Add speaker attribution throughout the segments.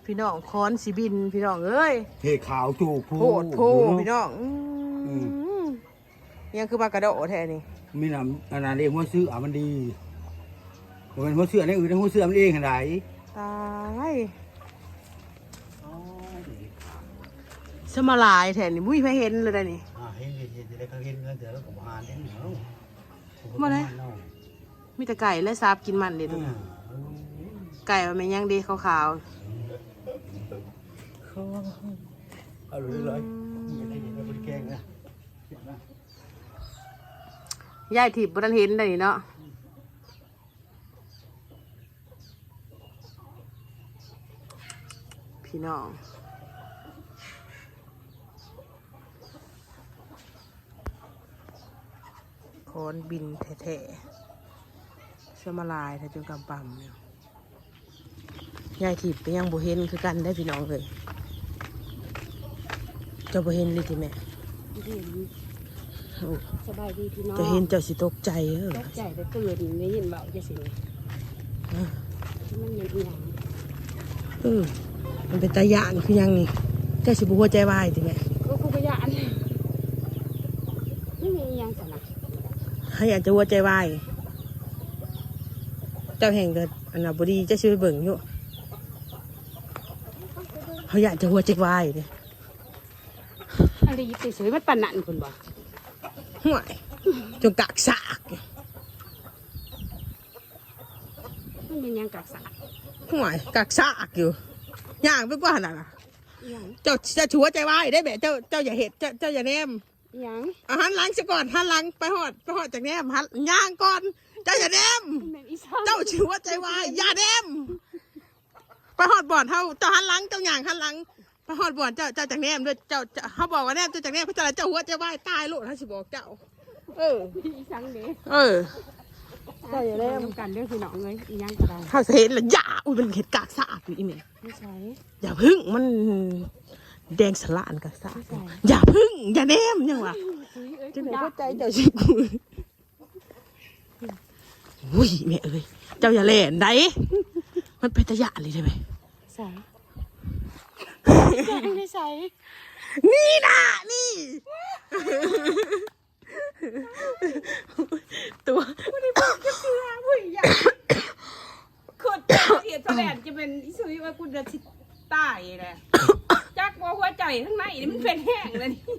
Speaker 1: พี่น้องค้อนสีบินพี่น้องเอ้ย
Speaker 2: เทขาวจูบ
Speaker 1: โหดโพพี่น้องยังคือมากระโดดแท้นี่
Speaker 2: มีน้ำอันนั้นเองหัวเสื้อมันดีมันเป็นหัวเสื้อในอื่นในหัวเสื้อมันเองขนาดไหน
Speaker 1: ตายสมาลายแท้นี่มุ้ยไม่เห็นเลยได้นี่
Speaker 2: เห็นได้เขาเห็นแล้วเดี๋ยวเราก็มาเห็นเหรอ
Speaker 1: มาเลยมีแต่ไก่และซาบกินมันเด็ดไก่มันเป็นยังดีขาว
Speaker 2: เอาเลยไม่ได้ยินไม่ได้แกงนะ
Speaker 1: ยายถีบบนเห็นได้เนาะพี่น้องโคนบินแท้ๆสมาลายถ้าจนกำปั่มเนี่ยยายถีบไปยังบ่เห็นคือกันได้พี่น้องเลยเจ้าบ่เห็นเลยทีแม่
Speaker 3: สบายดีพี่น้อง
Speaker 1: จะเห็นเจ้าสิตกใจ
Speaker 3: ตกใจแต่ตื่นได้ยินเบาจะสิมันเป็นอย่าง
Speaker 1: มันเป็นตาหยานคือยังนี่เจ้าสิบุหัวใจวายทีแม่
Speaker 3: ก็กูก็ยานไม่มีอย่างสนะ
Speaker 1: ให้อยากจะหัวใจวายเจ้าแห่งเกิดอันนั้นบดีเจ้าช่วยเบิ่งอยู่เขาอยากจะหัวใจวายเนี่ย
Speaker 3: อะไรยิบสวยมันปานนันคนบ่
Speaker 1: ห่วยจงกากสาก
Speaker 3: มันเป็นยังกักสาก
Speaker 1: ห่วยกากสากอยู่ย่างไปกว่าน่ะเจ้าจะชัวใจวายได้แบบเจ้าอย่าเห็ดเจ้าอย่าแนม
Speaker 3: ยัง
Speaker 1: หันหลังซะก่อนหันหลังไปหอดจากแนมหันย่างก่อนเจ้าอย่าแนมเจ้าชัวใจวายอย่าแนมไปหอดบ่อนเท่าเจ้าหันหลังเจ้าย่างหันหลังไปหอดบ่อนเจ้าจากแนมด้วยเจ้าเขาบอกว่าแนมเจ้าจากแนมเขาจะเจ้าหัวใจวายตายโลดเขาสิบอกเจ้า
Speaker 3: อีสังเด้
Speaker 1: เจ้าอย่าแนม
Speaker 3: กันเรื่องพี่น้องเลยอียังก็ได้
Speaker 1: เขาเห็นแล้วอย่าอุ้ยมันเห็ดกากสะอาดอยู่อีเมย์
Speaker 3: ไม่ใช่
Speaker 1: อย่าพึ่งมันแดงสลานกากสะอาดอย่าพึ่งอย่าแนมยังวะจะไหนเข้าใจเจ้าชิบุยอุ้ยแม่เอ้ยเจ้าอย่าเล่นได้มันเป็นตะยะเลยได้ไหม
Speaker 3: ใส่ไม่ใส่
Speaker 1: นี่นะนี่ตัว
Speaker 3: ไม่ได้บอกจะเสียผู้ใหญ่ขุดเป็นเสียแสลนจะเป็นอิสุยว่ากูจะตายเลยจักว่าหัวใจข้างในนี่มันเป็นแห้งเลยนี่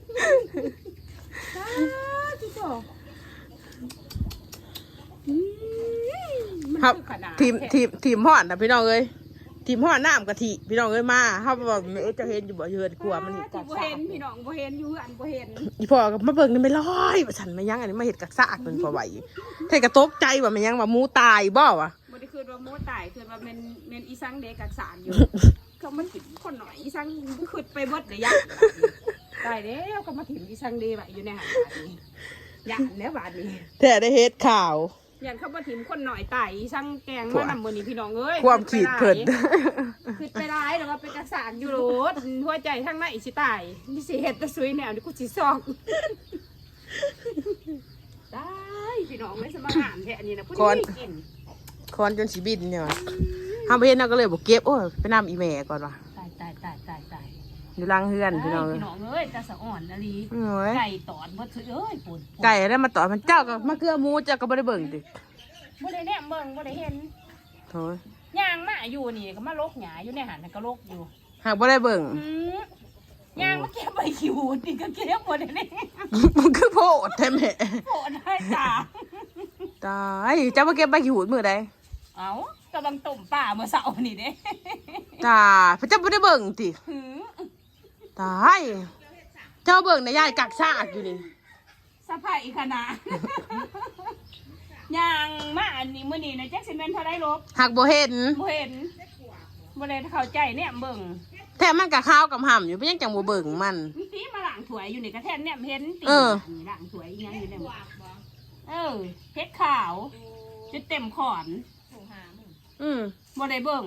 Speaker 1: ครับทีมห่อนนะพี่น้องเอ้ยทีมห่อนน้ำกะทิพี่น้องเอ้ยมาเขาบอกจะเห็นอยู่บ่เห็นกลัวมันเห็ดกักซาก
Speaker 3: เห็นพี่น้องบ่เห็นอยู่อันบ่เห็น
Speaker 1: อีพ่อกับมาเบิ่งนี่ไม่ร้อยฉันไม่ยั้งอันนี้มาเห็ดกักซากเป็นพอไหวเทกระตกใจว่าไม่ยั้งว่ามูตายบ่วะ
Speaker 3: บ่ได้คือว่ามูตายคือว่าเมนอีสังเด็กกักสารอยู่เขามันถิ่มคนหน่อยอีสังขึ้นไปเบิดเลยยักตายแล้วเขามาถิ่มอีสังเดไว้อยู่ในหาดนี้ยันแล้วบาดนี้
Speaker 1: แต่ได้เฮ็ดข่าว
Speaker 3: อย่างเขามาถิ่มคนหน่อยตายอีสังแกงมานำมือนี้พี่น้องเอ้ย
Speaker 1: ความขีดเผิน
Speaker 3: ขึ้นไปร้ายแล้วว่าเป็นกักสารอยู่โลดหัวใจทั้งในสิตายนี่สิเฮ็ดตะซุยแนวนี่กูสิซอกได้พี่น้องไม่สมานแค่อันนี้นะพูดไม่กิน
Speaker 1: คอนจนสีบินเนี่ยทำไปเห็นเราก็เลยบอกเก็บโอ้ยไปนำอีแม่ก่อนว่ะ
Speaker 3: ตาย
Speaker 1: อยู่ล่างเฮือนพี่น้อง
Speaker 3: พี่น้องเอ้ยตาสะอ่อนนะลีไก่ตอดบ่ถือเอ้ยปุ่น
Speaker 1: ไก่ได้มาตอดมันเจ้าก็มาเกลือมูเจ้าก็บ่ได้เบิ่งดิ
Speaker 3: บ่ได้แนมเบิ่งบ่ได้เห็น
Speaker 1: โธ่
Speaker 3: ย่างมาอยู่นี่ก็มาลกหญ้าอยู่ในหันก็ลกอยู่
Speaker 1: หากบ่ได้เบิ่ง
Speaker 3: ย่างมาเก็บใบขี้หูนี่ก็เก็บบ่ได้นี่
Speaker 1: มันคือโพดแท้แม่
Speaker 3: โพดได้จ้า
Speaker 1: ตายเจ้ามาเก็บใบขี้หูมื้อใด
Speaker 3: เอ้ากำลังต้มป่าเมื่อเช้านี่เด้
Speaker 1: จ้าพระเจ้าบ่ได้เบิ่งติตายเจ้าเบิ่งในยายกักซากอยู่นี่
Speaker 3: สะพายขนาดย่างมาอันนี้มื้อนี้นะแจ็คสิแม่นเท่าไดลบ
Speaker 1: หากบ่เห็น
Speaker 3: บ่ได้เข้าใจเนี่ยเบิ่ง
Speaker 1: แท้มันก็ข้าวกับห่ำอยู่เพิ่นยังจังบ่เบิ่งมัน
Speaker 3: ตีมาล้างถ้วยอยู่นี่ก็แท้เนี่ยเห็นตีนี่ล้างถ้วยอีหยังอยู่เนี่ยเฮ็ดขาวจะเต็มขอนบ่ได้เบิ่ง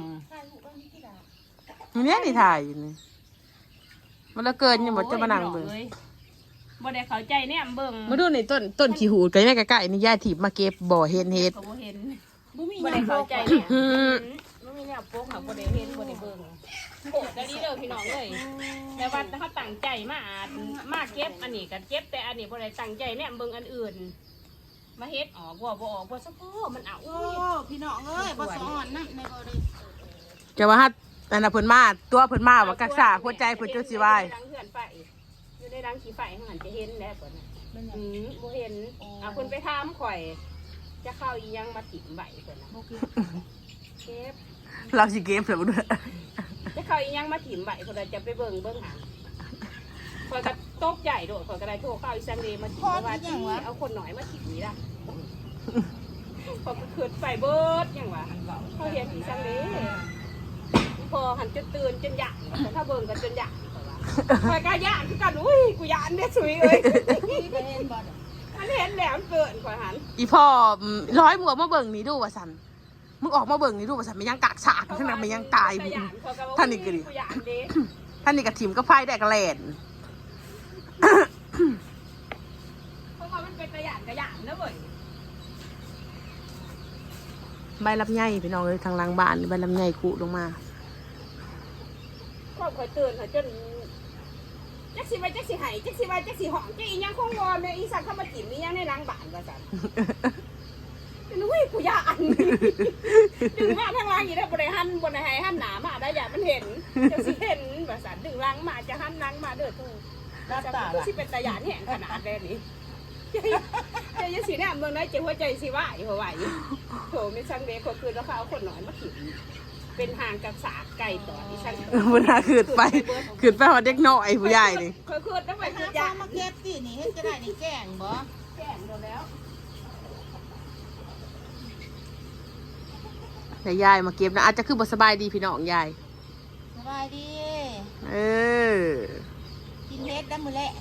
Speaker 1: นี่นี่ถ่ายอยู่นี่มันละเกินยังบ่จะมานั่งเบิ่ง
Speaker 3: บ่ได้เข้าใจเนี่ยเบิ่ง
Speaker 1: มาดูนี่ต้นขี้หูดก็ยังใกล้ๆนี่ยายถีบมาเก็บบ่เห็นเฮ็ด
Speaker 3: บ่ได้เข้าใจเนี่ยบ่มีแนเนี่ยโป๊กเขาบ่ได้เห็นบ่ได้เบิ่งโกรธได้ดีเด้อพี่น้องเอ้ยแต่ว่าเขาตั้งใจมาเก็บอันนี้ก็เก็บแต่อันนี้บ่ได้ตั้งใจเนี่ยเบิ่งอันอื่นมาเฮ็ดออกบ่ออกบ่ซะพ่อมันเอา
Speaker 4: โอ้พี่น้องเอ้ยบ่สอนนั่นในบ่ได้
Speaker 1: จะว่าฮัดอันน่ะเพิ่นมาตัวเพิ่นมาว่ากักษาหัวใจเพิ่นจนสิวาย
Speaker 3: อยู่ในรังเฮือนไฟอยู่ในรังขี้ไฟข้างหันจะเห็นแหล้วเพิ่นน่ะบ่เห็นเพิ่นไปถามข่อย จะเข้าอีหยังมาถิ่มใบเพิ่นน่ะเก็บ
Speaker 1: เราสิเก็บแล้วบ่ด้วย
Speaker 3: จะเข้าอีหยังมาถิ่มใบเพิ่นน่ะจะไปเบิ่งหาข่อยก็ตกใจโดดข่อยก็ได้โทรเข้าอีสังเดมาถิ่มว่าที่เอาคนหน่อยมาถิ่มนี่ล่ะข่อยก็ขึ้นไปเบิดหยังวะเขาเห็นอีสังเดพอหันจนตื่นจนหยาดแต่ถ้าเบิ่งก็จนหยาดข่อยก็หยาดคือกันอุ้ยกูหยาดเด้สุยเอ้ย
Speaker 4: เห็นบ่
Speaker 3: อันเห็นแล้วมันเกินข่อยหัน
Speaker 1: อีพ่อร้อยหมวกมาเบิ่งนี่ดูว่าซั่นมึงออกมาเบิ่งนี่ดูว่าซั่นมันยังกากสากทั้งนั้นมันยังตายท่านนี่ก็ดิท่านนี่ก็ถิ่มก็ไฟได้กระแลน
Speaker 3: เพราะว่ามันเป็นกระหยานนะเว้ย
Speaker 1: ใบลำไยพี่น้องเอ้ยทางหลังบ้านใบลำไยกุลงมา
Speaker 3: ความข่อยตื่นข่อยจนจักสิไปจักสิหายจักสิไปจักสิหอมจักอีหยังคงวอแม่อีสันเข้ามาจิ้มอีหยังในรังบ้านว่าซั่นเป็นอุ้ยกูย่านดึงมาทางล่างอีได้บ่ได้หันบ่ได้ให้หันหน้ามาได้อย่ามันเห็นจังสิเห็นว่าซั่นดึงรังมาจะหันรังมาเด้อทูกูสิเป็นตาหยานแห้งขนาดแลนี้เจ้าสิแนมเมืองไหนเจ้าหัวใจสิว่าอยู่ไหวโถมีช่างเด็กคนคืนแล้วเขาเอาคนหน่อยมาถิ่มเป็นหางกับสากไก่ต่อที่ช่าง
Speaker 1: เวลาขึ้นไปหอดเด็กน้อยผู้ใหญ่นี่
Speaker 3: เคยคืนต้องไป
Speaker 4: ไป
Speaker 3: คื
Speaker 4: หาน
Speaker 3: ยา
Speaker 4: ฟ้ามาเก็บสินี่เฮ็ดจะได้นี่แกงบ่
Speaker 3: แก่โดนแล้ว
Speaker 1: แต่ยายมาเก็บนะอาจจะคือบ่สบายดีพี่น้องยาย
Speaker 4: สบายดี
Speaker 1: เออ
Speaker 4: กินเฮ็ดได้มื้อแลง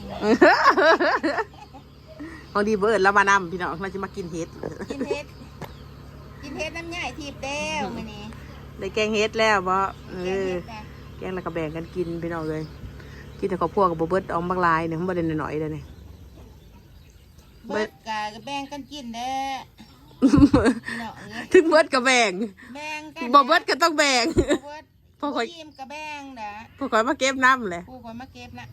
Speaker 1: บางทีเบิร์ดแล้วมานำพี่น้องเราจะมากินเห็ด
Speaker 4: กินเฮ็ดน้ำใหญ่ทิพย์แล้วมื้อนี้
Speaker 1: ได้แกงเห็ดแล้วบ่เอ
Speaker 4: แกง
Speaker 1: อ
Speaker 4: เฮ็ดนะ
Speaker 1: แกงแล้วก็แบ่งกันกินพี่น้องเลยกินแต่ข้าวพวกกับบ่เบิร์ดออมบางลายเนี่ยมันบ่ได้หน่อยๆเลยเนี่ย
Speaker 4: เบิดกะแบ่งกันกินเด้อพี่น้องเอ้ย
Speaker 1: ถึงเบิร์ดก็แบ่ง
Speaker 4: แบ่งกัน
Speaker 1: บ่เบิร์ดก็ต้องแบ่ง
Speaker 4: เบิด
Speaker 1: พอข่อย
Speaker 4: ยิ้มกะแบ่งเด้อ
Speaker 1: พอข่อยมาเก็บน้ำเลย
Speaker 4: ผู้คนมาเก็บนะ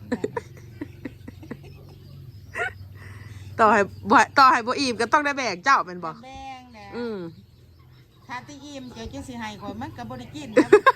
Speaker 1: ต่อให้บ่อิ่มก็ต้องได้แบ่งเจ้าเป็นบ่
Speaker 4: แบ่งเด้อ
Speaker 1: อืม
Speaker 4: ถ้าที่อิ่มเจ้าจังสิให้ข่อยมันก็บ่ได้กินนะ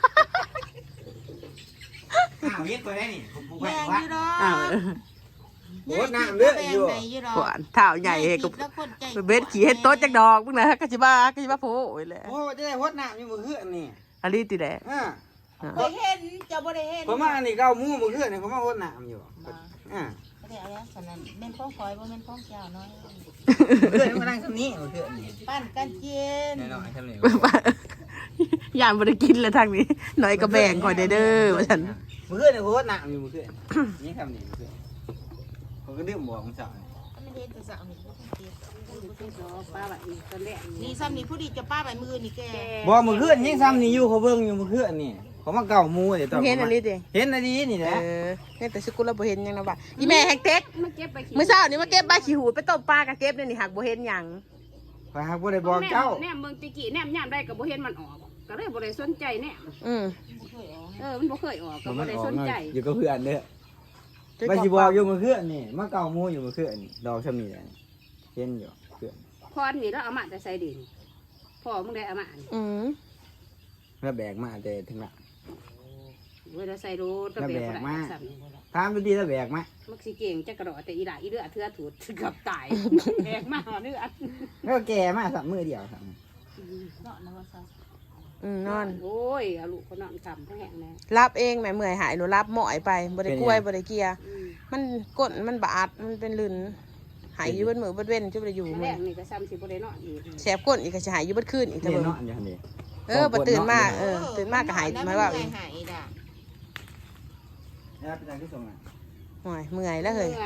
Speaker 2: อ้าวเฮ็ดไปได้นี่ผมปลูกไว้
Speaker 4: แบ่ง
Speaker 2: ว่า
Speaker 4: อยู่ดอ
Speaker 1: อ้าว
Speaker 4: ก
Speaker 2: โอ้น้ำเด้ออยู่
Speaker 4: แบ่งให้อยู่ดอก
Speaker 1: หวานเท้าใหญ่เฮก็
Speaker 4: แล้วคนใจ
Speaker 1: เบ็ดขี่เฮ็ดโต๊ะจักดอกมึงนะก็สิว่าโผโอ้ยแหละ
Speaker 2: โอ้จะได้ฮดน้ำอยู่มื้อคืนนี่
Speaker 1: อันนี้ติแหละ
Speaker 2: อ่า
Speaker 4: บ่เห็นเจ้าบ่ได้เห็น
Speaker 2: ผมมาอันนี้เก้าหมู่มื้อคืนนี่ผมมาฮดน้ำอยู่อ่า
Speaker 4: บ่ได้เอาแล้วฉะนั้นแม่นของข่อยบ่แม่นของเจ้าน้อย
Speaker 2: มื้อคืนมันนั่งซำนี้มื้อคืนนี่
Speaker 4: ปั้นกันกิน
Speaker 2: แน่นอนซำนี้
Speaker 1: ย่านบ่ได้กินเลยทางนี้หน่อยก็แบ่งข่อยได้เด้อว่าซั่น
Speaker 2: มื้อคืนนี่ฮดน้ำอยู่มื้อคืนนี่คำนี้มื้อคืนผมก็ดื่มบ่ของเจ้า
Speaker 4: มันเห็นแต่สาวนี่บ่ต้องเก็บ
Speaker 3: ป้าแบบนี้ตอนแรก
Speaker 4: นี่ซ้ำนี่ผู้ดีจะป้าใบมือนี่แก
Speaker 2: บ่มื้อคืนยังซ้ำนี่อยู่เขาเบิ่งอยู่มื้อคืนนี่เขามาเก้าหมู่เดี๋ยวตอน
Speaker 1: เห็นอันนี้ดิ
Speaker 2: เห็นอันนี้นี่แห
Speaker 1: เอ
Speaker 2: ละ
Speaker 1: อเห็นแต่สกุลแล้วบ่เห็นหยังนะว่าอีแม่แฮกเต็ก
Speaker 3: มาเก็บไป
Speaker 1: มื้อเช้านี่มาเก็บใบขี้หูดไปต้มปลากับเก็บนี่หักบ่เห็นหยัง
Speaker 2: ข้อยหักบ่ได้บอกเจ้า
Speaker 3: แนมเมืองติกี้แนมย่ามได้กับบ่เห็นมันออกก็เลยบ่ได้สนใจแนม
Speaker 1: อืม
Speaker 3: มันบ่เคยออกก็บ่ได้สนใจ
Speaker 2: อยู่กับเพื่อนเด้อไปสิบอกอยู่มื้อคืนนี่มาเก้าหมู่อยู่มื้อคืนนี่ดอกซำนี้แหละเห็นอยู่เพื่อน
Speaker 3: พรนี่แล้วเอามาแต่ใส่ดินพ่อมึงได้เอามา
Speaker 1: อืม
Speaker 2: แล้วแบกมาแต่ถึงละ
Speaker 3: เวลาใส่รถก็เป็นบ่ได้ซ้ำ
Speaker 2: ถามดูดีแล้วแบกมา
Speaker 3: มักสิเก่งจักกระโดดแต่อีหล่าอีเลือดเทือถูดเกือบตายแบกมาเลือด
Speaker 2: แล้วแก่มาสักมือเดียวครับ
Speaker 4: เนาะนะว่าซะ
Speaker 1: นอน
Speaker 3: โอ้ยเอาลูกเขานอนคำทั้งแห่งแน่
Speaker 1: รับเองแม่เมื่อยหายหนูรับหมอยไปบ่ได้กล้วยบ่ได้เกียร์มันก้นมันบาดมันเป็นลื่นหายอยู่เบิดมื้อเบิดเว้นจะบ่ได้อยู่
Speaker 3: แร
Speaker 1: มื้อก
Speaker 3: นี่ก็ซ้ำสิบ่ได้นอนอีก
Speaker 1: แสบก้นอีกก็สิหายอยู่เบิดคืนอีก
Speaker 2: เรี
Speaker 1: เท่าย
Speaker 2: น
Speaker 1: เบิ่ง
Speaker 2: เนาะอย่างนี้
Speaker 1: บ่ตื่นมาตื่นมาก็หายหมายว่า
Speaker 4: หายด่ะ
Speaker 2: แล้วเป็นทางที่ส่งอ่ะ
Speaker 1: โอ้ยเมื่อยแล้วเฮ้ย
Speaker 3: ไง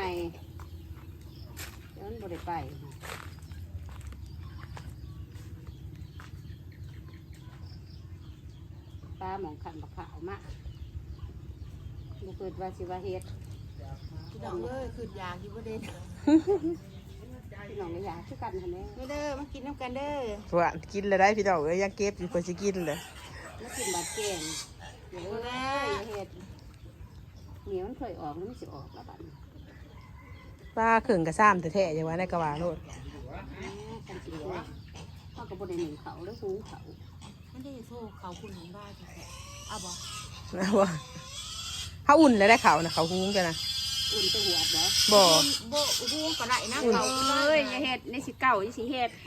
Speaker 3: แล้วมันบ่ได้ไปปลาหมองขันบักขาวมากบ่เกิดว่าสิว่าเฮ็ด
Speaker 4: พี่น้องเอ้ยคือยากอยู่บ่ได้
Speaker 3: พี่น้องก็อยากคือกันหั่นแหละ
Speaker 4: เด้อมากินน้ำกันเด้อ
Speaker 1: ว่ากินแล้วได้พี่น้องเอ้ยยังเก็บอยู่เพิ่นสิกินเลย
Speaker 3: แล้วกินบาดแกงเดี๋ยวได้เห็ดเหนียวมันเคยออกแล้วมันสิออกแล้วบัดนี้
Speaker 1: ป้าเข่งกระซ้ำแต่แท้ๆอย่างว่าในกระบะโลด
Speaker 3: กันสิว่าพ่อกับบนในหนึ่งเขาแล้วหูเขา
Speaker 4: มันได้โซ่เขาคุณหนุนบ้าจังแท้เอาบ่
Speaker 1: นะว่าเขาอุ่นแล้วได้เขานะเขาหุ้งกันนะ
Speaker 3: อุ่นจะหัวบ่
Speaker 1: บ่
Speaker 4: โบหูก็ได้นะ
Speaker 3: อุ่น
Speaker 4: เขา
Speaker 3: เอ้ยอย่าเห็ดในสิเก่าอย่าสิเห็ด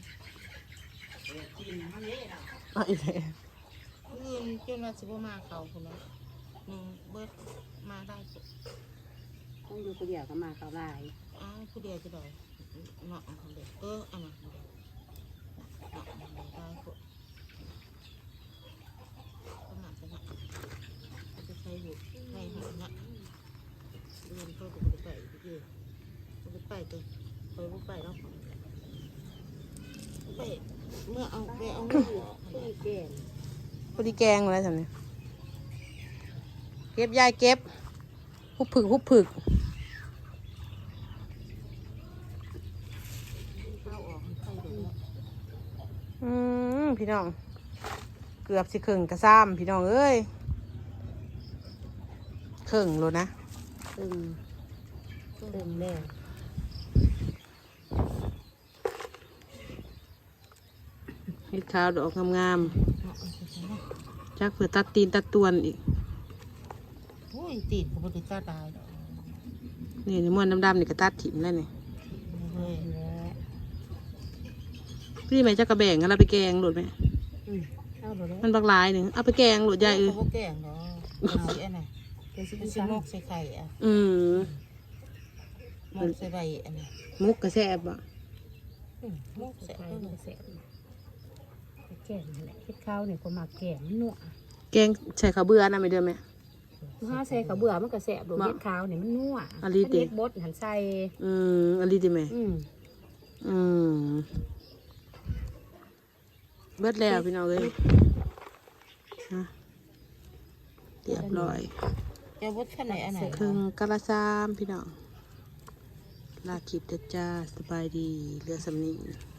Speaker 1: เอาอีกแล้ว
Speaker 4: คืนจนว่าสิบ่มาเขาคุณเนาะเบิดมาได้
Speaker 3: ต้องอยู่คนเดียวก็มาเขาลาย
Speaker 4: อ้าวผู้เดียวจะได้เนาะคนเดียวอันนั้นเนาะได้พวกขนาดจะนะจะใช้อยู่ให้หัวนะเดินเข้าไปไปดิไปตัวไปแล้วไปเมื่อเอาไปเอาไม่อยู่
Speaker 3: ผู้แก่
Speaker 1: พอดีแกงอะไรทำเนี่ยเก็บยายเก็บหุบผึกหุบผึก
Speaker 4: เข้าออกใครเดี๋ยว
Speaker 1: พี่น้องเกือบสิเข่งกระซ้ำพี่น้องเอ้ยเข่งโลนะ
Speaker 3: ตึงแล้ว
Speaker 1: เห็ดขาวดอกงามๆจักเผื่อตัดตีนตัดตวนอีก
Speaker 4: โอ้ยตีนก็บ่ได้ตาตาย
Speaker 1: นี่ในม้วนดำๆนี่ก็ตัดถิ่มแล้วนี่
Speaker 4: เฮ้ย
Speaker 1: พี่แม่จะกระแบ่งกันเราไปแกงโหลดไหม
Speaker 3: เอาหมดแล้ว
Speaker 1: มันบักหลายหนึ่งเอาไปแกงโหลดใหญ่
Speaker 4: เขาบ่แกงเนาะเอาอันน่ะ
Speaker 3: เป็นสิ
Speaker 4: เป็น
Speaker 3: ซ้
Speaker 4: นกใส่ไข่อ่ะ
Speaker 1: อืม
Speaker 4: นกใส่ใบอันน่ะ
Speaker 1: มุกกระแซบอ่ะ
Speaker 4: นกใส่
Speaker 3: ำ
Speaker 4: เพิ่น
Speaker 3: แสบแก่นั่นแหละเห็ดข้าวเนี่ยก็มาแก่มันนัว
Speaker 1: แกงใส่ข้าวเบื่อนะไม่เดือไหม
Speaker 3: ถ้าใส่ข้าวเบื่อมันก็แสบโดนเห็ดข้าวเนี่ยมันนัว
Speaker 1: อันนี้ติ
Speaker 3: เห็ดบดหันใส่
Speaker 1: อันนี้ดีไหม
Speaker 3: อืม
Speaker 1: เบิดแล้วพี่น้องเอ้ยฮะเรียบร้อย
Speaker 4: เจ้าบดขั้นไหนอันไหน
Speaker 1: ครึ่งกะละซามพี่น้องลาคลิปเด้อจ้าสบายดีเรือสำนี